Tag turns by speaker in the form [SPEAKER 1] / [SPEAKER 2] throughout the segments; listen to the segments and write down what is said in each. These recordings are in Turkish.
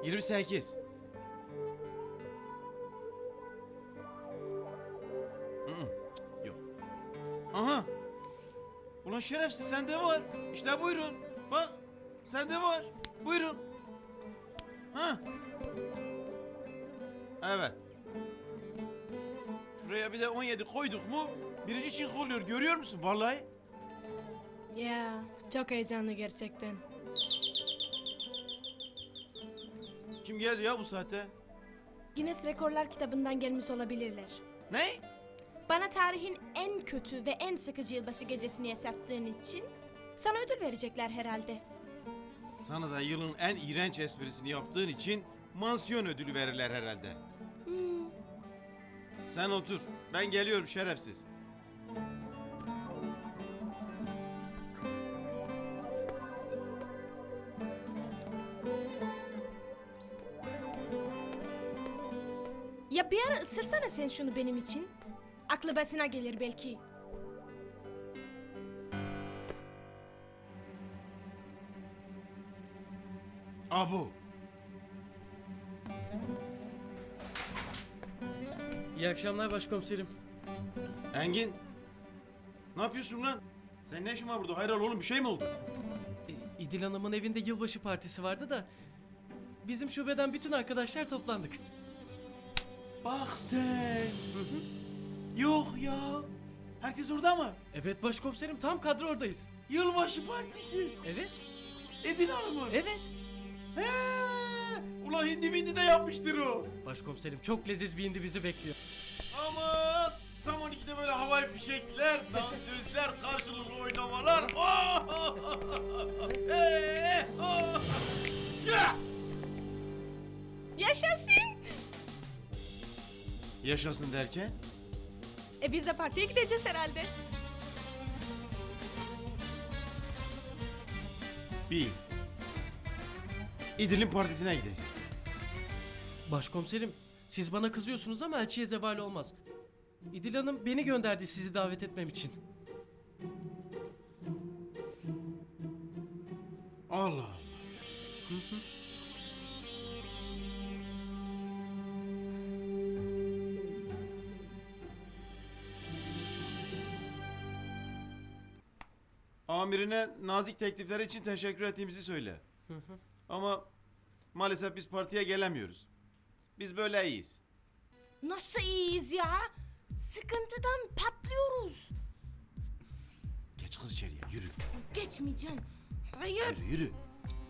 [SPEAKER 1] 28. Yok. Aha. Ulan şerefsiz sende var. İşte buyurun. Bak. Sende var. Buyurun. Ha. Evet. Şuraya bir de 17 koyduk mu? Birinci çink oluyor. Görüyor musun? Vallahi.
[SPEAKER 2] Ya çok heyecanlı gerçekten.
[SPEAKER 1] Kim geldi ya bu saatte?
[SPEAKER 2] Guinness Rekorlar kitabından gelmiş olabilirler.
[SPEAKER 1] Ne?
[SPEAKER 2] Bana tarihin en kötü ve en sıkıcı yılbaşı gecesini yaşattığın için sana ödül verecekler herhalde.
[SPEAKER 1] Sana da yılın en iğrenç esprisini yaptığın için mansiyon ödülü verirler herhalde. Sen otur. Ben geliyorum şerefsiz.
[SPEAKER 2] Ya bir ara ısırsana sen şunu benim için. Aklı başına gelir belki.
[SPEAKER 1] Abu.
[SPEAKER 3] İyi akşamlar başkomiserim.
[SPEAKER 1] Engin. Ne yapıyorsun lan? Senin ne işin var burada? Hayral oğlum bir şey mi oldu?
[SPEAKER 3] İdil Hanım'ın evinde yılbaşı partisi vardı da bizim şubeden bütün arkadaşlar toplandık.
[SPEAKER 1] Bak sen. Yok ya. Herkes orada mı?
[SPEAKER 3] Evet başkomiserim, tam kadro oradayız.
[SPEAKER 1] Yılbaşı partisi.
[SPEAKER 3] Evet,
[SPEAKER 1] Edin Hanım'ın.
[SPEAKER 3] evet.
[SPEAKER 1] He. Ulan hindi bindi de yapmıştır o.
[SPEAKER 3] Başkomiserim, çok leziz bir indi bizi bekliyor.
[SPEAKER 1] Aman. Tam 12'de böyle havai fişekler, dansözler, karşılıklı oynamalar. Silah!
[SPEAKER 2] Yaşasın!
[SPEAKER 1] Yaşasın derken?
[SPEAKER 2] Biz de partiye gideceğiz herhalde.
[SPEAKER 1] Biz İdil'in partisine gideceğiz.
[SPEAKER 3] Başkomiserim, siz bana kızıyorsunuz ama elçiye zeval olmaz. İdil Hanım beni gönderdi sizi davet etmem için.
[SPEAKER 1] Allah Allah. Amirine nazik teklifleri için teşekkür ettiğimizi söyle. Ama maalesef biz partiye gelemiyoruz. Biz böyle iyiyiz.
[SPEAKER 2] Nasıl iyiyiz ya? Sıkıntıdan patlıyoruz.
[SPEAKER 1] Geç kız içeriye yürü.
[SPEAKER 2] Geçmeyeceğim. Hayır.
[SPEAKER 1] Yürü yürü. Yürü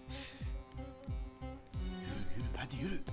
[SPEAKER 1] yürü hadi yürü.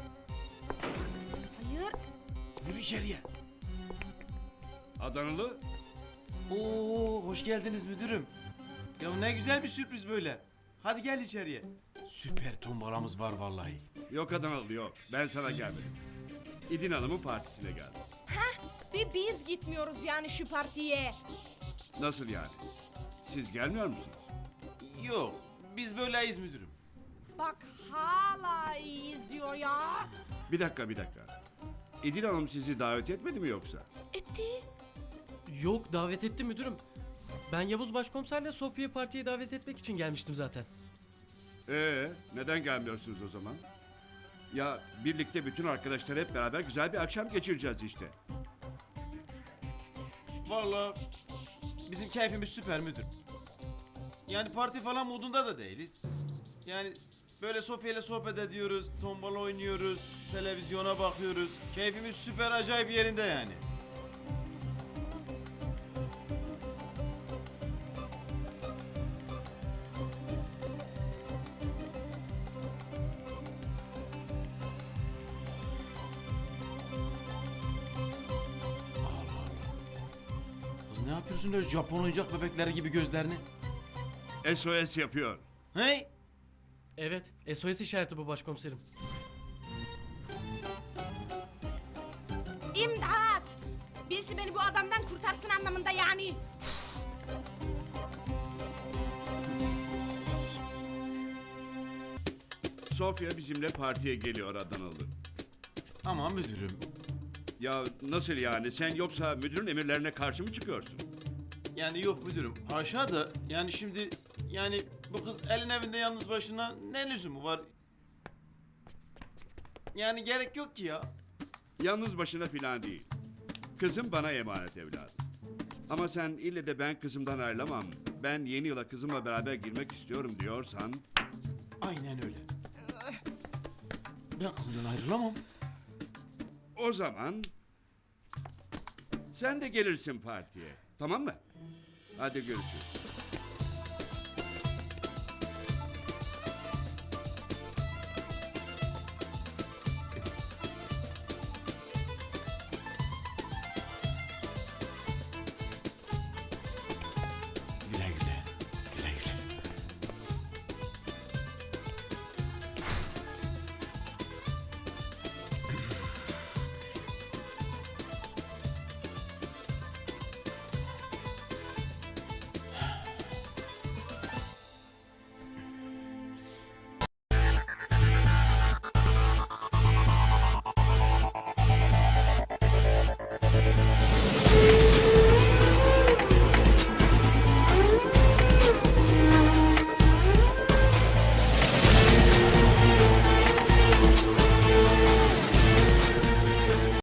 [SPEAKER 2] Hayır.
[SPEAKER 1] Yürü içeriye.
[SPEAKER 4] Adanalı?
[SPEAKER 1] Oo hoş geldiniz müdürüm. Ya ne güzel bir sürpriz böyle. Hadi gel içeriye. Süper tombalamız var vallahi.
[SPEAKER 4] Yok Adanalı yok. Ben sana gelmedim. İdin Hanım'ın partisine geldim.
[SPEAKER 2] Heh, bir biz gitmiyoruz yani şu partiye.
[SPEAKER 4] Nasıl yani? Siz gelmiyor musunuz?
[SPEAKER 1] Yok biz böyleyiz müdürüm.
[SPEAKER 2] Bak hala iyiyiz diyor ya.
[SPEAKER 4] Bir dakika. İdin Hanım sizi davet etmedi mi yoksa?
[SPEAKER 2] Etti.
[SPEAKER 3] Yok, davet etti müdürüm. Ben Yavuz Başkomiserle Sofya'yı partiye davet etmek için gelmiştim zaten.
[SPEAKER 4] Neden gelmiyorsunuz o zaman? Ya birlikte bütün arkadaşlar hep beraber güzel bir akşam geçireceğiz işte.
[SPEAKER 1] Vallahi bizim keyfimiz süper müdür. Yani parti falan modunda da değiliz. Yani böyle Sofya ile sohbet ediyoruz, tombala oynuyoruz, televizyona bakıyoruz. Keyfimiz süper acayip yerinde yani. Kız ne yapıyorsun öyle Japon oyuncak bebekleri gibi gözlerini?
[SPEAKER 4] SOS yapıyor.
[SPEAKER 1] Hey!
[SPEAKER 3] Evet, SOS işareti bu başkomiserim.
[SPEAKER 2] İmdat! Birisi beni bu adamdan kurtarsın anlamında yani.
[SPEAKER 4] Sofya bizimle partiye geliyor Adanalı.
[SPEAKER 1] Aman müdürüm.
[SPEAKER 4] Ya nasıl yani? Sen yoksa müdürün emirlerine karşı mı çıkıyorsun?
[SPEAKER 1] Yani yok müdürüm. Haşa da yani şimdi yani bu kız elin evinde yalnız başına ne lüzumu var? Yani gerek yok ki ya.
[SPEAKER 4] Yalnız başına filan değil. Kızım bana emanet evladım. Ama sen ille de ben kızımdan ayrılamam, ben yeni yıla kızımla beraber girmek istiyorum diyorsan...
[SPEAKER 1] Aynen öyle. Ben kızımdan ayrılamam.
[SPEAKER 4] O zaman... Sen de gelirsin partiye. Tamam mı? Hadi görüşürüz.